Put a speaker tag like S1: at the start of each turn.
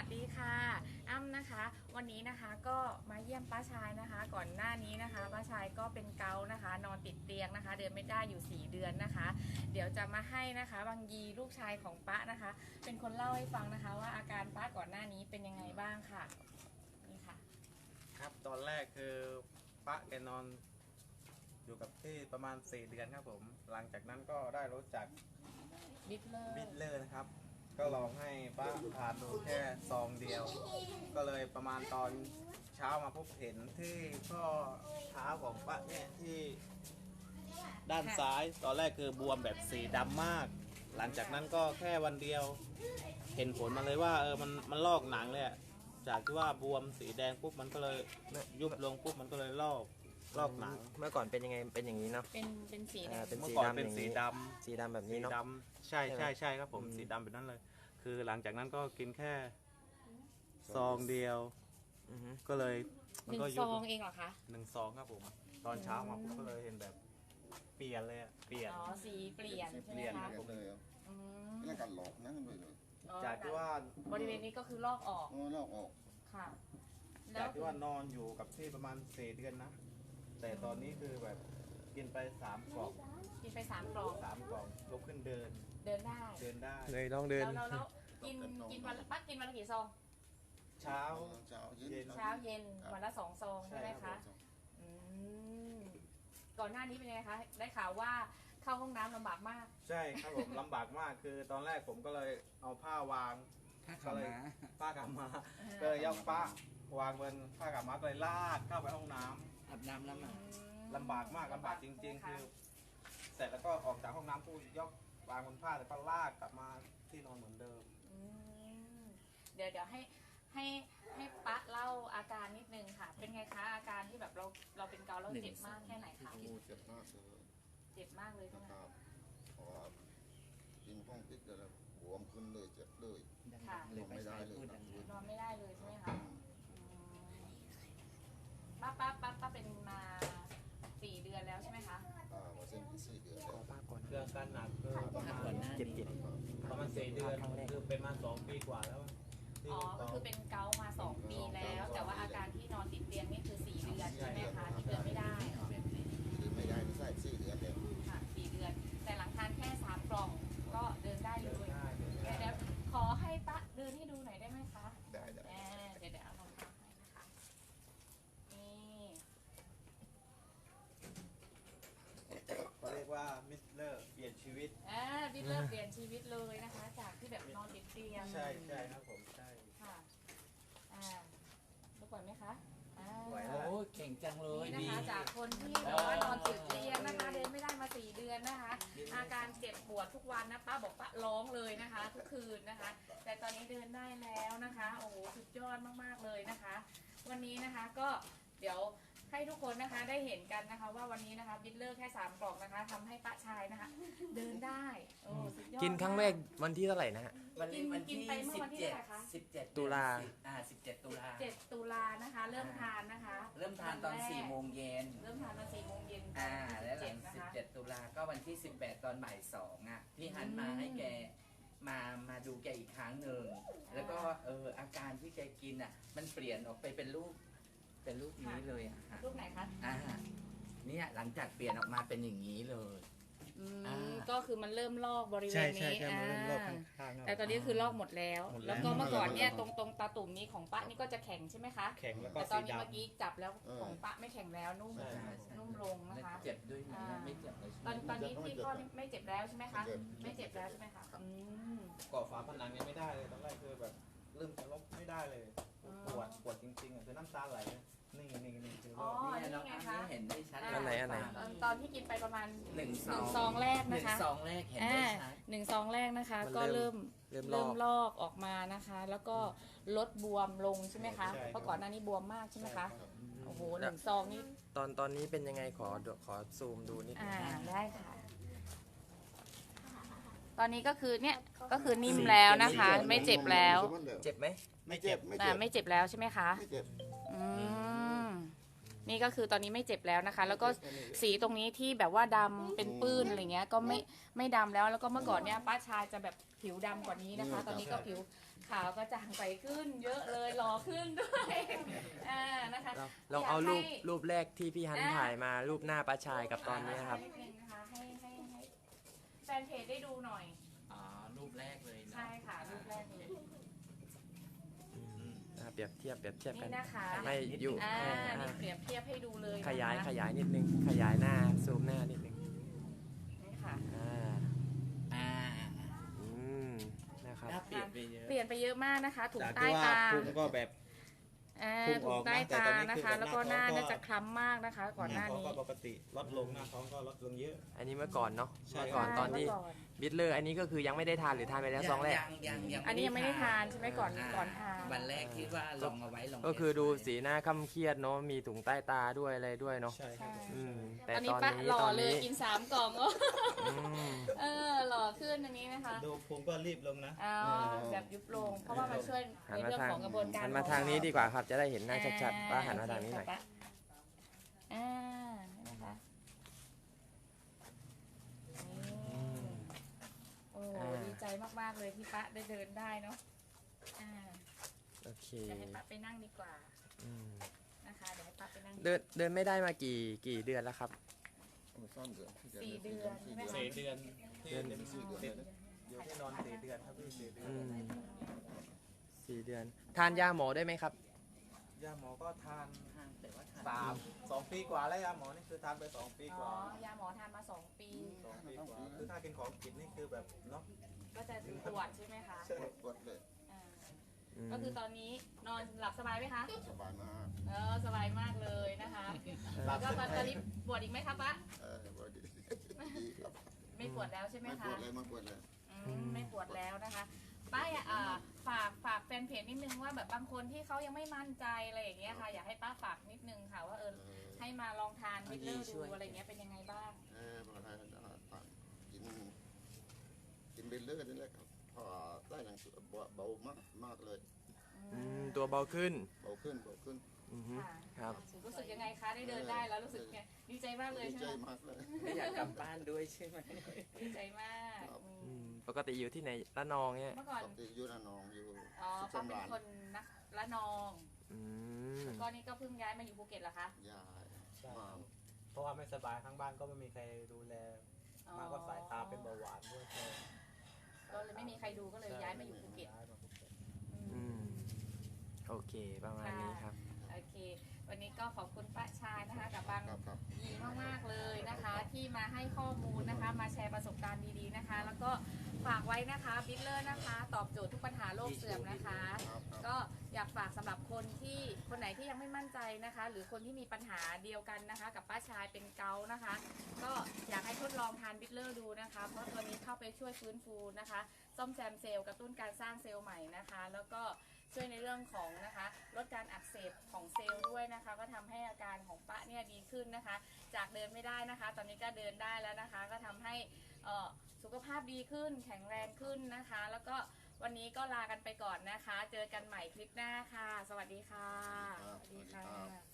S1: ดีค่ะอ้ำนะคะวันนี้นะคะก็มาเยี่ยมป้าชายนะคะ ก่อนหน้านี้นะคะป้าชายก็เป็นเกาต์นะคะ นอนติดเตียงนะคะ เดินไม่ได้อยู่4 เดือนนะคะ เดี๋ยวจะมาให้นะคะบางยีลูกชายของป้านะคะ เป็นคนเล่าให้ฟังนะคะ ว่าอาการป้าก่อนหน้านี้เป็นยังไงบ้างค่ะนี่ค่ะ
S2: ครับตอนแรกคือป้าแกนอนอยู่กับที่ประมาณ4 เดือนครับผมหลังจากนั้นก็ได้รู้จัก
S1: บิทเลอร์
S2: นะครับก็ลองให้ป้าทานดูแค่ซองเดียว ก็เลยประมาณตอนเช้ามาพบเห็นที่ข้อเท้าของป้าเนี่ยที่ด้านซ้ายตอนแรกคือบวมแบบสีดำมาก หลังจากนั้นก็แค่วันเดียวเห็นผลมาเลยว่ามันลอกหนังเลยจากที่ว่าบวมสีแดงปุ๊บมันก็เลยยุบลงปุ๊บมันก็เลยลอกหนัง
S3: เมื่อก่อนเป็นยังไงเป็นอย่างนี้เนาะ
S1: เป็นสีแดง
S3: เป็นสี
S2: เมื่อก่อน
S3: ดำ
S2: เป็นสีด
S3: ำแบบนี้เนาะ
S2: ใช่ครับผมสีดำแบบนั้นเลย คือหลังจากนั้นก็กินแค่ซองเดียวก็เลย
S1: หนึ่งซองเองเหรอคะ
S2: 1 ซองครับผมตอนเช้ามาผมก็เลยเห็นแบบเปลี่ยนเลยเปลี่ยน
S1: อ๋อสีเปลี่ยนใช่ไหมคะ
S4: นั่นการหลอกนั่นเลย
S2: จากที่ว่า
S1: บริเวณนี้ก็คือลอกออก
S4: ลอกออก
S1: ค่ะ
S2: จากที่ว่านอนอยู่กับที่ประมาณ4 เดือนนะแต่ตอนนี้คือแบบกินไป3 กล่อง
S1: กินไป3 กล่อง
S2: 3 กล่องลุกขึ้นเดิน
S1: ได้
S3: เลยต้องเดิน
S1: แล้วกินวันละกี่ซอง
S2: เช้า
S1: เย็นวันละ2 ซองใช่ไหมคะก่อนหน้านี้เป็นไงคะได้ข่าวว่าเข้าห้องน้ำลำบากมาก
S2: ใช่ครับผมลำบากมากคือตอนแรกผมก็เลยเอาผ้าวางก็เลยผ้ากำมาก็เลยยกผ้าวางบนผ้ากำมาเลยลากเข้าไปห้องน้ำ
S3: อาบน้ำแล้วมา
S2: ลำบากมากลำบากจริงๆคือเสร็จแล้วก็ออกจากห้องน้ำผู้ยกวางบนผ้าแล้วก็ลากกลับมาที่นอนเหมือนเดิม
S1: เดี๋ยวให้ป๊าเล่าอาการนิดนึงค่ะเป็นไงคะอาการที่แบบเราเป็นเกาแล้วเจ็บมากแค่ไหนคะ
S4: เจ็บมากเลย
S1: เจ็บมากเลยใช่ไหม
S4: ครับเพราะว่ากินห้องติดแล้วบวมขึ้นเลยเจ็บเลย
S1: ค่ะ
S4: นอนไม่ได้เลย
S1: นอนไม่ได้เลยใช่ไหมคะป้าเป็นมา4 เดือนแล้วใช่ไหมคะ
S4: มาเส้น4 เดือนแล้ว
S2: เรื่องการหนักคือประมาณ
S3: เจ็บ
S2: ประมาณ4 เดือนคือเป็นมา2 ปีกว่าแล้ว
S1: อ๋อก็คือเป็นเกามา2 ปีแล้วแต่ว่าอาการที่นอนติดเตียงนี่คือ4 เดือนใช่ไหมคะที่เดินไม่ได้
S4: ไม่ได้ไม่ใช่4 เดือนเดียว
S1: ค่ะ4 เดือนแต่หลังทานแค่3 กล่องก็เดินได้เลยเดี๋ยวขอให้ป้าเดินให้ดูหน่อยได้ไหมคะ
S4: ได้
S1: เดี๋ยวเอาลองทำให้นะคะนี่
S2: เขาเรียกว่ามิสเลอร์เปลี่ยนชีวิต
S1: มิสเลอร์เปลี่ยนชีวิตเลยนะคะจากที่แบบนอนติดเตียง
S2: ใช่ครับผมใช่
S1: ค่ะรู้ก่อนไหมคะ
S3: โอ้เก่งจังเลย
S1: นี่นะคะจากคนที่แบบว่านอนติดเตียงนะคะเดินไม่ได้มา4 เดือนนะคะอาการเจ็บปวดทุกวันนะป้าบอกป้าร้องเลยนะคะทุกคืนนะคะแต่ตอนนี้เดินได้แล้วนะคะโอ้โหสุดยอดมากๆเลยนะคะวันนี้นะคะก็เดี๋ยวให้ทุกคนนะคะได้เห็นกันนะคะว่าวันนี้นะคะบิทเลอร์แค่3 กล่องนะคะทำให้ป้าชายนะคะเดินได้โอ้สุดยอด
S3: กินครั้งแรกวันที่เท่าไหร่นะฮะ
S1: วันที่
S3: 17 ตุลา
S1: 17 ตุลานะคะเริ่มทานนะคะ
S5: เริ่มทานตอน4 โมงเย็น
S1: เริ่มทานตอน4 โมงเย็น
S5: แล้วหลัง17 ตุลาก็วันที่18 ตอนบ่าย 2พี่หันมาให้แกมาดูแกอีกครั้งหนึ่งแล้วก็อาการที่แกกินมันเปลี่ยนออกไปเป็นรูปนี้เลย
S1: รูปไหนคะ
S5: เนี่ยหลังจากเปลี่ยนออกมาเป็นอย่างนี้เลย
S1: ก็คือมันเริ่มลอกบริเวณนี้แต่ตอนนี้คือลอกหมดแล้วแล้วก็เมื่อก่อนเนี่ยตรงตาตุ่มนี้ของป้านี่ก็จะแข็งใช่ไหมคะ
S2: แข็งแล้วก็
S1: แต่ตอนนี้เมื่อกี้จับแล้วของป้าไม่แข็งแล้วนุ่มลงนะคะ
S5: เจ็บด้วยไม่เจ็บเลย
S1: ตอนนี้ที่พ่อไม่เจ็บแล้วใช่ไหมคะไม่เจ็บแล้วใช่ไหมคะ
S2: ก่อฝาผนังยังไม่ได้เลยตอนแรกคือแบบเริ่มจะลบไม่ได้เลยปวดจริงๆคือน้ำตาไหลนี่คือ
S1: นี่
S5: ไงคะเห็นได้ชัด
S1: ตอนที่กินไปประมาณ1 ซองแรกนะคะ
S5: 1 ซองแรกเห็นได้ชัด
S1: 1 ซองแรกนะคะก็เริ่มลอกออกมานะคะแล้วก็ลดบวมลงใช่ไหมคะเพราะก่อนหน้านี้บวมมากใช่ไหมคะโอ้โห1 ซองนี่
S3: ตอนนี้เป็นยังไงขอซูมดูนิดนึง
S1: ได้ค่ะตอนนี้ก็คือเนี่ยก็คือนิ่มแล้วนะคะไม่เจ็บแล้ว
S3: เจ็บไหม
S2: ไม่เจ็บ
S1: ไม่เจ็บแล้วใช่ไหมคะ
S4: ไม่เจ็บ
S1: นี่ก็คือตอนนี้ไม่เจ็บแล้วนะคะ แล้วก็สีตรงนี้ที่แบบว่าดำเป็นปื้นอะไรเงี้ยก็ไม่ดำแล้วแล้วก็เมื่อก่อนเนี่ยป้าชายจะแบบผิวดำกว่านี้นะคะ ตอนนี้ก็ผิวขาวก็จางไปขึ้น เยอะเลยหล่อขึ้นด้วยนะคะ
S3: ลองเอา
S1: ยกให้
S3: รูปแรกที่พี่ฮันถ่ายมารูปหน้าป้าชายกับตอนนี้ครับ
S1: นิดนึงนะคะให้แฟนเพจได้ดูหน่อย
S5: อ๋อรูปแรกเลยเนาะ
S1: ใช่ค่ะรูปแรกเลย
S3: เปรียบเทียบกัน
S1: นี่นะคะ
S3: ให้อยู่
S1: นี่เปรียบเทียบให้ดูเลยนะคะ
S3: ขยายนิดนึงขยายหน้าซูมหน้านิดนึง
S1: นี่ค่ะ
S5: อ่า
S3: นะครับ
S5: หน้าเปลี่ยนไปเยอะ
S1: เปลี่ยนไปเยอะมากนะคะถุง
S2: จาก
S1: ใต้
S2: ที่ว่า
S1: ตา
S2: พุงก็แบบ พุ่งอ
S1: ถุ
S2: อง กนะ
S1: ใต้
S2: แต่
S1: ตา
S2: ตอนนี้
S1: นะ
S2: คือ
S1: คะ
S2: แบบ
S1: แล้วก็ห
S2: ห
S1: น้า
S2: น้าท้องก็
S1: น่าจะคล้ำมากนะคะ ก่อนหน้า
S2: ท้อง
S1: นี้
S2: ก็ปกติลดลงหน้าท้องก็ลดลงเยอะ
S3: อันนี้เมื่อก่อนเนาะ
S2: ใช่
S3: เมื่อก่อนตอนที่
S1: เมื่ก่อน
S3: บิทเลอร์อันนี้ก็คือยังไม่ได้ทานหรือทานไปแล้วซองแรก
S5: ยัง
S1: อันนี้ยังไม่ได้ทานใช่ไหมก่อนทาน
S5: วันแรกที่ว่าลองเอาไว้ลอง
S3: ก็คือดูสีหน้าค่ำเครียดเนาะมีถุงใต้ตาด้วยอะไรด้วยเนาะ
S2: ใช่ครับ
S3: อืมแต่
S1: ตอน
S3: ต
S1: นี้
S3: อน
S1: ปะ
S3: นี้
S1: หล่อ
S3: ตอน
S1: เลย
S3: นี้
S1: กิน3 กล่อง
S3: อืม
S1: หล่อขึ้นอันนี้นะคะ
S2: ดูพุงก็รีบลงนะ
S1: เอาแบบยุบลง เพราะว่ามันช่วย
S3: หัน
S1: ใน
S3: มา
S1: เรื่อง
S3: ทาง
S1: ของกระบวนการ
S3: หันมาทางนี้ดีกว่าครับจะได้เห็นหน้าชัดๆป้าหันมาทางนี้หน่อย
S1: นะคะโอ้ดีใจมากๆเลยที่ป้าได้เดินได้เนาะ
S3: โอเค
S1: เดี๋ยวให้ป้าไปนั่งดีกว่า
S3: อืม
S1: นะคะเดี๋ยวให้ป้าไปนั่ง
S3: เดินไม่ได้มากี่เดือนแล้วครับ
S4: โอ้ซ่อนเดือน
S1: 4 เดือนใช่ไหมคะ
S2: 4 เดือนที่เต็มที่อยู่ที่นอน4 เดือนครับพี่4 เดือน
S3: อืม4 เดือน ทานยาหมอได้ไหมครับ
S2: ยาหมอก็ทาน
S5: แต่ว่าทาน
S2: 2 ปีกว่าแล้วยาหมอนี่คือทานไป2 ปี
S1: อ๋
S2: ก
S1: อ
S2: ว่า
S1: ยาหมอทานมา2 ปี
S2: 2 ปีกว่าคือถ้ากินของผิดนี่คือแบบเนาะ
S1: ก็จะปวดใช่ไหมคะ
S4: ปวดเลย
S1: อ่าก็คือตอนนี้นอนหลับสบายไหมคะ
S4: สบายมาก
S1: สบายมากเลยนะคะแล้วก็ตอนนี้ปวดอีกไหมครับป้า
S4: ปวดดีครับ
S1: ไม่ปวดแล้วใช่ไหม
S4: ไม่ป
S1: คะ
S4: วดเลยไม่ปวดเลย
S1: ไม่ปวดแล้วนะคะป้าอยากฝากแฟนเพจนิดนึงว่าแบบบางคนที่เขายังไม่มั่นใจอะไรอย่างเงี้ยค่ะ อยากให้ป้าฝากนิดนึงค่ะว่าให้มาลองทานวิตเลอร์ดูอะไรเงี้ยเป็นยังไงบ้าง
S4: ปกติกินเบลเลอร์นี่แหละครับพอได้หนังสือเบามากเลย
S3: ตัวเบาขึ้น
S4: เบาขึ้น
S3: อือฮึ
S1: ค่ะ
S3: ครับ
S1: รู้สึกยังไงคะได้เดินได้แล้วรู้สึกไงดีใจมากเลย
S4: ดี
S1: ใช่
S4: ใจ
S1: ไหม
S4: มากเลย
S5: ไม่อยากกลับบ้านด้วยใช่ไหม
S1: ดีใจมาก
S3: ปกติอยู่ที่ไหนละนองเนี่ย
S1: เมื่อก่อน
S4: ปกติอยู่ระนองอยู่
S1: อ๋อ
S4: สุข
S1: ป้า
S4: สำ
S1: เป็น
S4: ราญ
S1: คนนักละนอง
S3: อืม
S1: ก็นี่ก็เพิ่งย้ายมาอยู่ภูเก็ตเหรอคะ
S4: ยาย
S2: ใช่
S4: มา
S2: เพราะว่าไม่สบายข้างบ้านก็ไม่มีใครดูแล
S1: อ๋อ
S2: มากก็สายตาเป็นเบาหวานด้วย
S1: ก็เลยไม่มีใครดูก็เลยย้ายมาอยู่ภูเก็ต
S2: ย้ายมาภูเก็ต
S3: อืมโอเคประมาณนี้ครับ
S1: โอเค วันนี้ก็ขอบคุณป้าชายนะคะกับบาง
S4: ครับ
S1: ดีมากๆเลยนะคะ ที่มาให้ข้อมูลนะคะ มาแชร์ประสบการณ์ดีๆนะคะ แล้วก็ฝากไว้นะคะบิทเลอร์นะคะ ตอบโจทย์ทุกปัญหาโรคเสื่อมนะคะ ก็อยากฝากสำหรับคนไหนที่ยังไม่มั่นใจนะคะ หรือคนที่มีปัญหาเดียวกันนะคะ กับป้าชายเป็นเกาต์นะคะ ก็อยากให้ทดลองทานบิทเลอร์ดูนะคะ เพราะตัวนี้เข้าไปช่วยฟื้นฟูนะคะ ซ่อมแซมเซลล์กระตุ้นการสร้างเซลล์ใหม่นะคะ แล้วก็ช่วยในเรื่องของนะคะลดการอักเสบของเซลล์ด้วยนะคะ ก็ทำให้อาการของป้าเนี่ยดีขึ้นนะคะ จากเดินไม่ได้นะคะ ตอนนี้ก็เดินได้แล้วนะคะ ก็ทำให้สุขภาพดีขึ้นแข็งแรงขึ้นนะคะ แล้วก็วันนี้ก็ลากันไปก่อนนะคะ เจอกันใหม่คลิปหน้าค่ะ สวัสดีค่ะ
S4: ครับ
S1: สวัสดี
S4: สวัสดีครั
S1: ค่ะ
S4: บ